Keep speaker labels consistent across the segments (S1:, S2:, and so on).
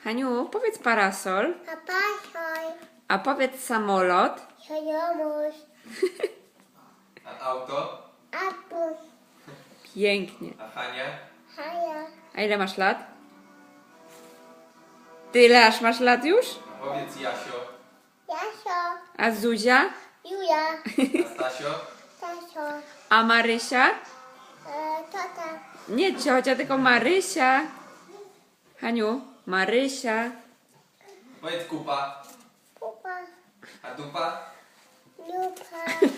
S1: Haniu, powiedz parasol,
S2: A pasoj.
S1: a powiedz samolot.
S2: Sojomus.
S3: A auto?
S2: Apus.
S1: Pięknie.
S3: A Hania?
S2: Haja.
S1: A ile masz lat? Tyle aż masz lat już?
S3: A powiedz Jasio.
S2: Jasio.
S1: A Zuzia?
S2: Julia.
S3: A Stasio?
S2: Tasio.
S1: A Marysia?
S2: Tata.
S1: Nie ciocia, tylko Marysia. Haniu, Marysia.
S3: Powiedz kupa.
S2: Pupa.
S3: A dupa?
S2: Lupa.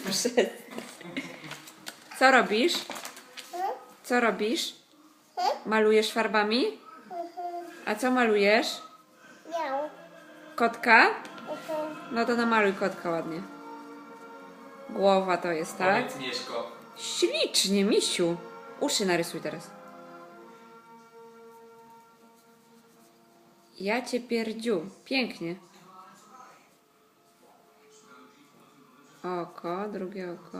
S1: Co robisz? Co robisz? Malujesz farbami? A co malujesz?
S2: Miał.
S1: Kotka? No to namaluj kotka ładnie. Głowa to jest, tak?
S3: Powiedz Mieszko.
S1: Ślicznie, misiu. Uszy narysuj teraz. Ja cię pierdziu. Pięknie. Oko, drugie oko.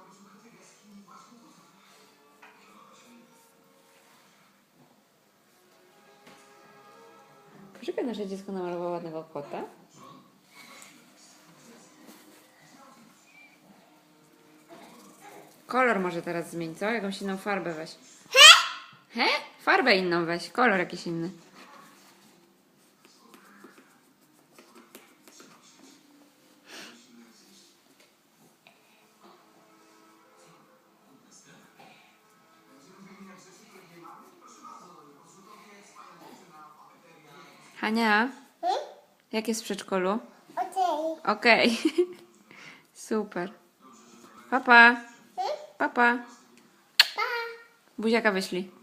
S1: Poczekaj, nasze dziecko namalowało ładnego kota. Kolor może teraz zmień, co? Jakąś inną farbę weź. He? Farbę inną weź, kolor jakiś inny. Hania, jak jest w przedszkolu?
S2: Okej.
S1: Okej. Super. Papa. Papa.
S2: Pa.
S1: Buziaka wyślij.